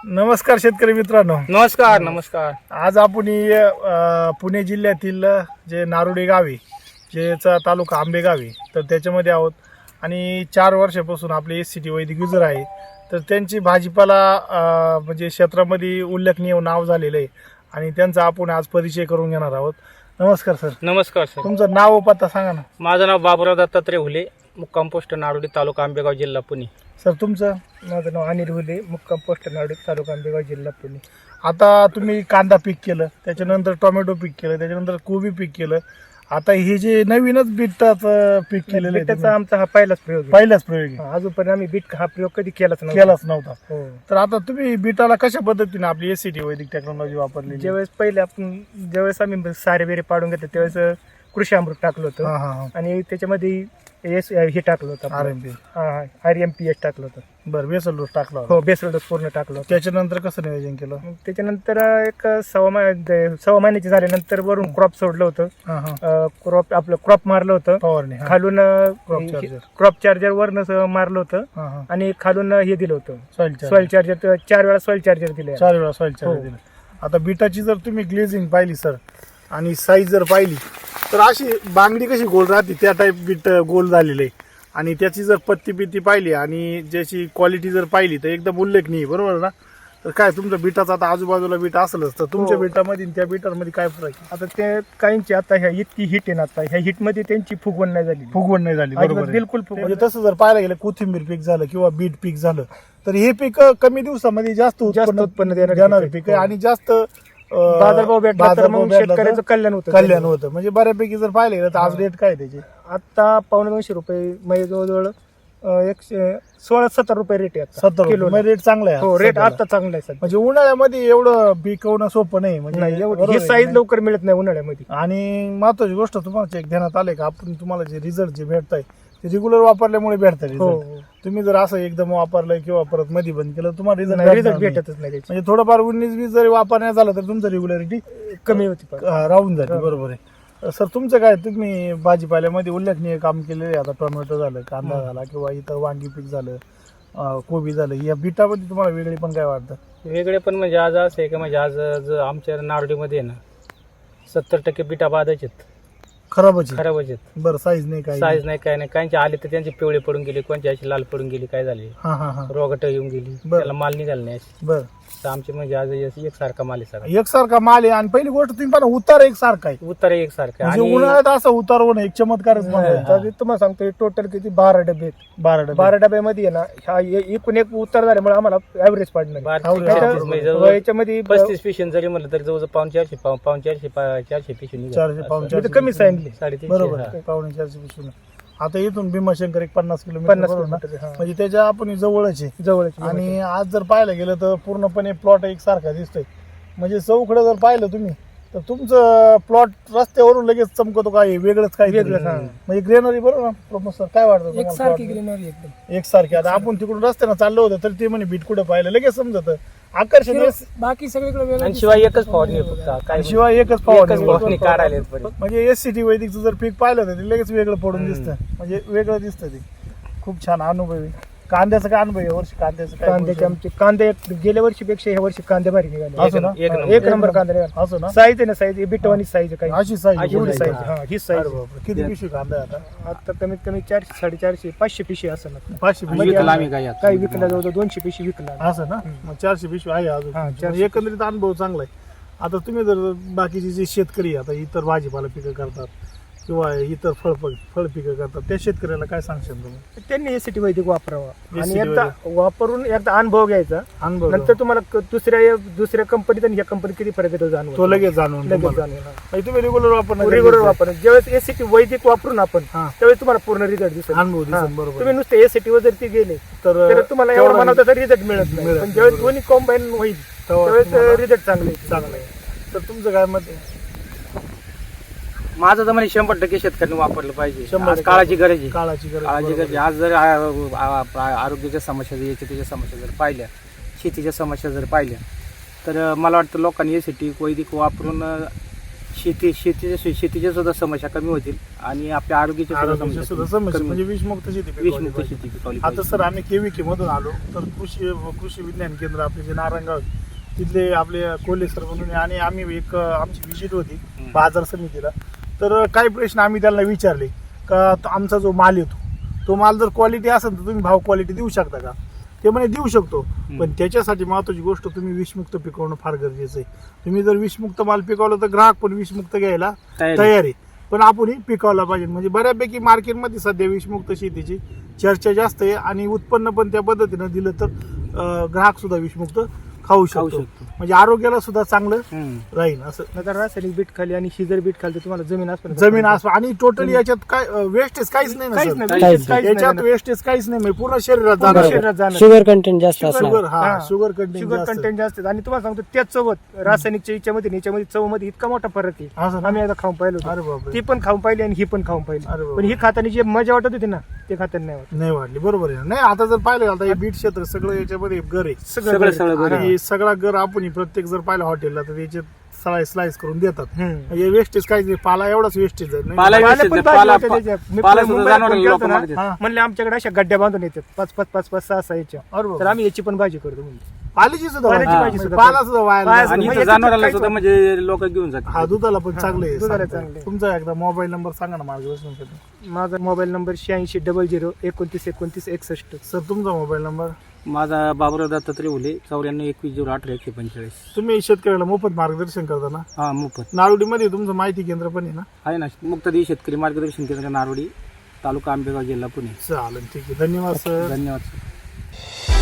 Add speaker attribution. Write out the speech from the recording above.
Speaker 1: नमस्कार शेतकरी मित्रांनो.
Speaker 2: नमस्कार.
Speaker 1: आज आपण पुणे जिल्ह्यातील जे नारोडे गाव आहे, जेचा तालुका आंबेगाव आहे, तर त्याच्यामध्ये आहोत. आणि 4 वर्षापासून आपले SCT वैदिक युजर आहे. तर त्यांची भाजीपाला म्हणजे क्षेत्रामध्ये उल्लेखनीय नाव झालेलं आहे आणि त्यांचा आपण आज परिचय करून घेणार आहोत. नमस्कार सर.
Speaker 2: नमस्कार सर.
Speaker 1: तुमचं नाव व पत्ता सांगा ना.
Speaker 2: माझं नाव बाबुराव दत्तात्रय हुले, मुक्काम पोस्ट नारोडी, तालुका आंबेगाव, जिल्हा पुणे.
Speaker 1: सर तुमचं?
Speaker 3: माझं नाव अनिल हुले, मुक्काम पोस्ट नारोडी, तालुका आंबेगाव, जिल्हा पुणे.
Speaker 1: आता तुम्ही कांदा पीक केलं, त्याच्यानंतर टोमॅटो पीक केलं, त्याच्यानंतर कोबी पीक केलं. आता हे जे नवीनच बीटाचं पीक केलेलं आहे,
Speaker 3: बीटाचा आमचा हा पहिलाच प्रयोग आहे.
Speaker 1: पहिलाच प्रयोग आहे.
Speaker 3: अजूनपर्यंत आम्ही बीट हा प्रयोग कधी केलाच नव्हता. हो.
Speaker 1: तर आता तुम्ही बीटाला कशा पद्धतीने आपली SCT वैदिक टेक्नॉलॉजी वापरली?
Speaker 3: ज्यावेळेस आम्ही सारे बेरे पाडून घेतले त्यावेळेस कृषी अमृत टाकलं होतं आणि त्याच्यामध्ये हे टाकलं होतं RMPS टाकलं होतं.
Speaker 1: बरं, बेसल डोस टाकला होता.
Speaker 3: हो, बेसल डोस पूर्ण टाकलं होतं.
Speaker 1: त्याच्यानंतर कसं नियोजन केलं?
Speaker 3: मग त्याच्यानंतर एक सव्वा महिन्याची झाल्यानंतर वरून क्रॉप सोडलं होतं. क्रॉप मारलं होतं
Speaker 1: फवारणी,
Speaker 3: खालून,
Speaker 1: charger.
Speaker 3: क्रॉप चार्जर वरनं मारलं होतं आणि खालून हे दिलं होतं
Speaker 1: सॉइल
Speaker 3: चार्जर. 4 वेळा सॉइल चार्जर दिले.
Speaker 1: 4 वेळा सॉइल चार्जर
Speaker 3: हो.
Speaker 1: दिलं. आता बीटाची जर तुम्ही ग्लेझिंग पाहिली सर आणि साईज जर पाहिली तर अशी बांगडी कशी गोल राहते त्या टाईप बीट गोल झालेलं आहे. आणि त्याची जर पत्ती पित्ती पाहिली आणि ज्याची क्वालिटी जर पाहिली तर एकदम उल्लेखनीय, बरोबर ना? तर काय तुमच्या बीटाचा आता आजूबाजूला बीट असलंच तर तुमच्या
Speaker 3: हो.
Speaker 1: बीटामध्ये आणि त्या बीटामध्ये काय फरक आहे?
Speaker 3: आता ते काहींची आता ह्या इतकी हिट आहे ना, आता ह्या हिट मध्ये त्यांची फुगवण नाही झाली.
Speaker 1: फुगवण नाही झाली, बरोबर आहे.
Speaker 3: बिलकुल फुगवण
Speaker 1: म्हणजे तसं जर पाहायला गेलं कोथिंबीर पीक झालं किंवा बीट पीक झालं तर हे पीक कमी दिवसामध्ये जास्त उत्पन्न देणारे पीक आहे आणि जास्त
Speaker 3: बाजारभाव भेटला तर मग शेतकऱ्याचं कल्याण होतं.
Speaker 1: म्हणजे बऱ्यापैकी जर पाहिले तर आज रेट काय त्याचे?
Speaker 3: आता ₹250 म्हणजे जवळजवळ 16-17 रुपये रेट आहे
Speaker 1: 70
Speaker 3: किलो.
Speaker 1: रेट चांगला आहे.
Speaker 3: हो, रेट
Speaker 1: सध्याला.
Speaker 3: आता चांगला आहे सध्या.
Speaker 1: म्हणजे उन्हाळ्यामध्ये एवढं पिकवणं सोपं नाही. म्हणजे
Speaker 3: नाही,
Speaker 1: बरोबर
Speaker 3: ही
Speaker 1: आहे.
Speaker 3: साईज लवकर मिळत नाही उन्हाळ्यामध्ये.
Speaker 1: आणि महत्वाची गोष्ट तुम्हाला चेक ध्यानात आले का आपण तुम्हाला जे रिझल्ट जे भेटताय ते रेग्युलर वापरल्यामुळे भेटतात
Speaker 3: हो,
Speaker 1: result. तुम्ही जर असं एकदम वापरलं किंवा परत मध्ये बंद केलं तुम्हाला
Speaker 3: रिझल्ट
Speaker 1: रिझल्ट
Speaker 3: भेटतच नाही त्याची.
Speaker 1: म्हणजे थोडंफार 19-20 जरी वापरण्यात झालं तर तुमचं रेग्युलरिटी
Speaker 3: कमी होती पण.
Speaker 1: राहून जाते. बरोबर आहे. सर तुमचं काय, तुम्ही भाजीपाल्यामध्ये उल्लेखनीय काम केलेलं आहे. आता टोमॅटो झालं, कांदा झाला किंवा इतर वांगी पीक झालं, कोबी झालं, या बीटामध्ये तुम्हाला वेगळे पण काय वाटतं?
Speaker 2: वेगळे पण म्हणजे आज असं आहे की म्हणजे आज आमच्या नारोडीमध्ये आहे ना 70% बिटा बाधच आहेत,
Speaker 1: खराबच आहे.
Speaker 2: खराबच आहेत.
Speaker 1: बरं, साईज नाही काय?
Speaker 2: साईज नाही, काय नाही. काहींचे आले तर त्यांचे पिवळे पडून गेले, कोणच्या अशी लाल पडून गेली, काय झाले,
Speaker 1: हा
Speaker 2: रोगट येऊन गेली,
Speaker 1: बरं.
Speaker 2: त्याला माल निघाला नाही अशी.
Speaker 1: बरं,
Speaker 2: तर आमचे म्हणजे आज एकसारखा माल आहे सगळा.
Speaker 1: एकसारखा माल आहे. आणि पहिली गोष्ट तुम्ही पाहा उतार एकसारखा आहे.
Speaker 2: उत्तर एकसारखं
Speaker 1: म्हणजे
Speaker 2: आणि
Speaker 1: उन्हाळ्यात असं उतार होणं एक चमत्कारच म्हणायचा.
Speaker 3: तर तुम्हाला सांगतो टोटल किती 12 डबे आहेत.
Speaker 1: 12
Speaker 3: डब्यामध्ये आहे ना, ह्या एकूण एक उतार झाल्यामुळे आम्हाला ऍव्हरेज पाडणार.
Speaker 2: 32 म्हणजे जवळ
Speaker 3: याच्यामध्ये
Speaker 2: 35 पिशवी जरी म्हणलं तरी जवळ 450 पिशवी निघाली.
Speaker 1: 400-450
Speaker 3: कमी सांगितले.
Speaker 2: 350.
Speaker 1: बरोबर
Speaker 2: हा.
Speaker 1: आहे. 450 पिशवी. आता इथून भीमाशंकर एक 50 किलोमीटर
Speaker 3: 50
Speaker 1: बरोबर ना?
Speaker 3: किलोमीटर.
Speaker 1: म्हणजे त्याच्या आपण जवळच आहे.
Speaker 3: जवळ
Speaker 1: आणि आज जर पाहायला गेलं तर पूर्णपणे प्लॉट एकसारखा दिसतोय. म्हणजे चौकडं जर पाहिलं तुम्ही तर तुमचं प्लॉट रस्त्यावरून लगेच चमकतो. काय वेगळंच काय
Speaker 3: वेगळंच, हा.
Speaker 1: म्हणजे ग्रेनरी, बरोबर ना प्रोफेसर? काय वाटतं तुम्हाला
Speaker 3: एकसारखी
Speaker 1: plot?
Speaker 3: ग्रीनरी एकदम
Speaker 1: एकसारखी. आता आपण तिकडून रस्त्यानं चाललो होतं तर ते म्हणे बीट कुठं पाहिलं लगेच समजत आकर्षण.
Speaker 3: बाकी सगळीकडे
Speaker 2: आणि शिवाय एकच फवारणी आहे फक्त, काय
Speaker 1: शिवाय एकच
Speaker 2: एकच
Speaker 1: फवारणी.
Speaker 2: फवारणी काढायला आहेत बरी.
Speaker 1: म्हणजे SCT वैदिकचं जर पीक पाहिलं तर ते लगेच वेगळं पडून दिसतं. म्हणजे वेगळं दिसतं ते. खूप छान अनुभवी. कांद्याचं काय अनुभव आहे वर्षी? कांद्याचं काय
Speaker 3: कांद्याचे आमचे कांदे गेल्या वर्षीपेक्षा ह्या वर्षी कांदे भारी निघाले.
Speaker 1: असं ना?
Speaker 3: एक नंबर कांदे निघाले.
Speaker 1: असं ना?
Speaker 3: साईज आहे ना, साईज बिटवानी साईज काही
Speaker 1: अशी साईज
Speaker 3: एवढी साईज. हा, ही साईज.
Speaker 1: किती पिशवी कांदा आहे आता?
Speaker 3: आता कमीत कमी 400-450 500 पिशवी असेल आता.
Speaker 1: 500
Speaker 2: आणि
Speaker 1: पिशवी.
Speaker 2: विकला आम्ही काय आता.
Speaker 3: काही विकला जवळ 200 पिशवी विकला.
Speaker 1: असं ना? मग 400 पिशवी आहे अजून.
Speaker 3: हा, 400.
Speaker 1: म्हणजे एकंदरीत अनुभव चांगला आहे. आता तुम्ही जर बाकीचे जे शेतकरी आता इतर भाजीपाला पिकं करतात किंवा इतर फळ पिकं करतात त्या शेतकऱ्याला काय सांगशाल तुम्ही?
Speaker 3: त्यांनी SCT वैदिक वापरावा आणि
Speaker 1: SCT
Speaker 3: एकदा वापरून एकदा अनुभव घ्यायचा.
Speaker 1: अनुभव
Speaker 3: नंतर तुम्हाला दुसऱ्या कंपनीत आणि ह्या कंपनीत किती फरक येतो जाणवतो.
Speaker 1: तो लगेच जाणून
Speaker 3: लगेच
Speaker 1: तुम्हाला.
Speaker 3: जाणवणार.
Speaker 1: म्हणजे तुम्ही रेग्युलर वापरणार.
Speaker 3: रेग्युलर वापर ज्यावेळेस SCT वैदिक वापरून आपण
Speaker 1: हा.
Speaker 3: त्यावेळेस तुम्हाला पूर्ण रिझल्ट दिसेल.
Speaker 1: अनुभव दिसेल,
Speaker 3: हा.
Speaker 1: बरोबर.
Speaker 3: तुम्ही नुसते SCT वर जर ती गेले तर तुम्हाला एवढा
Speaker 1: तेवढा
Speaker 3: म्हणावं तर रिझल्ट मिळत नाही.
Speaker 1: मिळत
Speaker 3: पण ज्यावेळेस दोन्ही कॉम्बाईन होईल त्यावेळेस
Speaker 1: तुम्हाला
Speaker 3: रिझल्ट चांगले
Speaker 1: चांगलं आहे. तर तुमचं काय मत आहे?
Speaker 2: माझं तर म्हणजे 100% शेतकऱ्यांनी वापरलं पाहिजे.
Speaker 1: 100%
Speaker 2: आज काळाची गरज आहे.
Speaker 1: काळाची गरज.
Speaker 2: काळाची
Speaker 1: बरोबर.
Speaker 2: गरज आहे. आज जर आरोग्याच्या समस्या, याच्या समस्या जर पाहिल्या, शेतीच्या समस्या जर पाहिल्या तर मला वाटतं लोकांनी SCT वैदिक वापरून शेतीच्या सुद्धा समस्या कमी होतील आणि आपल्या आरोग्याच्या
Speaker 1: आरोग्याची सुद्धा समस्या म्हणजे विषमुक्त शेती पिकवली
Speaker 2: विषमुक्त
Speaker 1: पाहिजे.
Speaker 2: शेती पिकवली
Speaker 1: आता
Speaker 2: पाहिजे.
Speaker 1: सर आम्ही केविके मधून आलो तर कृषी विज्ञान केंद्र आपले जे नारायणगाव आहे, तिथले आपले कोल्हे सर म्हणून आहे आणि आम्ही एक आमची विजिट होती बाजार समितीला. तर काही प्रश्न आम्ही त्यांना विचारले का आमचा जो माल येतो तो माल जर क्वालिटी असेल तर तुम्ही भाव क्वालिटी देऊ शकता का? ते म्हणे देऊ शकतो, पण त्याच्यासाठी महत्वाची गोष्ट तुम्ही विषमुक्त पिकवणं फार गरजेचं आहे. तुम्ही जर विषमुक्त माल पिकवला तर ग्राहक पण विषमुक्त घ्यायला
Speaker 2: तयार
Speaker 1: तयार आहे, पण आपण पिकवला पाहिजे. म्हणजे बऱ्यापैकी मार्केटमध्ये सध्या विषमुक्त शेतीची चर्चा जास्त आहे आणि उत्पन्न पण त्या पद्धतीनं दिलं तर ग्राहक सुद्धा विषमुक्त खाऊ शकतो. म्हणजे आरोग्याला सुद्धा चांगलं राहील. असं
Speaker 3: नंतर रासायनिक बीट खाली आणि शिजर बीट खाली तर तुम्हाला जमीन असतो
Speaker 1: जमीन असं आणि टोटली याच्यात काय वेस्टेज काहीच नाही ना
Speaker 3: काहीच
Speaker 1: सर?
Speaker 3: नाही,
Speaker 4: काहीच
Speaker 3: काहीच
Speaker 1: याच्यात
Speaker 3: नाही.
Speaker 1: वेस्टेज काहीच नाही, म्हणजे पूर्ण शरीरात
Speaker 3: पूर्ण
Speaker 1: जाणार.
Speaker 3: शरीरात जाणार.
Speaker 4: शुगर कंटेंट जास्त असणार.
Speaker 1: शुगर हा
Speaker 3: हा.
Speaker 1: शुगर कंटेंट
Speaker 3: शुगर कंटेंट जास्त आहे. आणि तुम्हाला सांगतो त्याच चवत रासायनिकच्या याच्यामध्ये चवमध्ये इतका मोठा फरक आहे.
Speaker 1: असं ना?
Speaker 3: आम्ही एकदा खाऊन पाहिलं
Speaker 1: अरे
Speaker 3: होतं.
Speaker 1: बापरे.
Speaker 3: ती पण खाऊन पाहिली आणि ही पण खाऊन
Speaker 1: अरे
Speaker 3: पाहिली,
Speaker 1: बापरे.
Speaker 3: पण ही खाताना जी मजा वाटत होती ना ते खाताना नाही वाटत.
Speaker 1: नाही वाढली. बरोबर आहे. नाही आता जर पाहिलं आता हे बीट क्षेत्र सगळं याच्यामध्ये घर आहे.
Speaker 2: सगळं घर आहे.
Speaker 1: आणि सगळा घर आपण प्रत्येक जर पाहिलं हॉटेलला तर याचे स्लाइस करून देतात.
Speaker 3: हम्म.
Speaker 1: म्हणजे वेस्टेज काहीच नाही. पाला एवढाच वेस्टेज आहे. नाही?
Speaker 2: पाला
Speaker 3: पाला
Speaker 2: wastage
Speaker 3: पण
Speaker 2: आहे.
Speaker 3: पाहिजे
Speaker 2: पाला-
Speaker 3: होते त्याच्या. मी
Speaker 2: पाला सुद्धा
Speaker 3: मुंबईला
Speaker 2: जनावरांना
Speaker 3: फोन केला
Speaker 2: लोकं
Speaker 3: होता ना,
Speaker 2: मागतात.
Speaker 1: हा.
Speaker 3: म्हणले आमच्याकडे अशा गड्ड्या बांधून येतात 5-5 6 याच्या.
Speaker 1: अरे बाबा.
Speaker 3: तर आम्ही याची पण भाजी करतो म्हणजे.
Speaker 1: पाल्याची सुद्धा
Speaker 3: पाल्याची
Speaker 1: वाढली.
Speaker 3: भाजी सुद्धा
Speaker 1: पाला सुद्धा वाया
Speaker 3: पाया-
Speaker 1: नाही.
Speaker 2: आणि
Speaker 3: म्हणजे
Speaker 2: इथं
Speaker 3: याच्यात
Speaker 2: जनावरांना
Speaker 3: काहीच
Speaker 2: सुद्धा म्हणजे लोक घेऊन जातात.
Speaker 1: हा दुधाला पण चांगलं आहे.
Speaker 3: दुधाला
Speaker 1: सांगताय.
Speaker 3: चांगलं आहे.
Speaker 1: तुमचा एकदा मोबाईल नंबर सांगा ना मार्गदर्शन करतो.
Speaker 3: माझा मोबाईल नंबर 8600 29 29 61.
Speaker 1: सर तुमचा मोबाईल नंबर.
Speaker 2: माझा बाबुराव दत्तात्रय हुले 94 21 018 145.
Speaker 1: तुम्ही शेतकऱ्याला मोफत मार्गदर्शन करता ना?
Speaker 2: हा मोफत
Speaker 1: नारोडीमध्ये तुमचं माहिती केंद्र पण आहे ना?
Speaker 2: आहे ना. मुक्तादेवी शेतकरी मार्गदर्शन केंद्र नारोडी, तालुका आंबेगाव, जिल्हा पुणे.
Speaker 1: चालेल, ठीक आहे. धन्यवाद सर.
Speaker 2: धन्यवाद सर.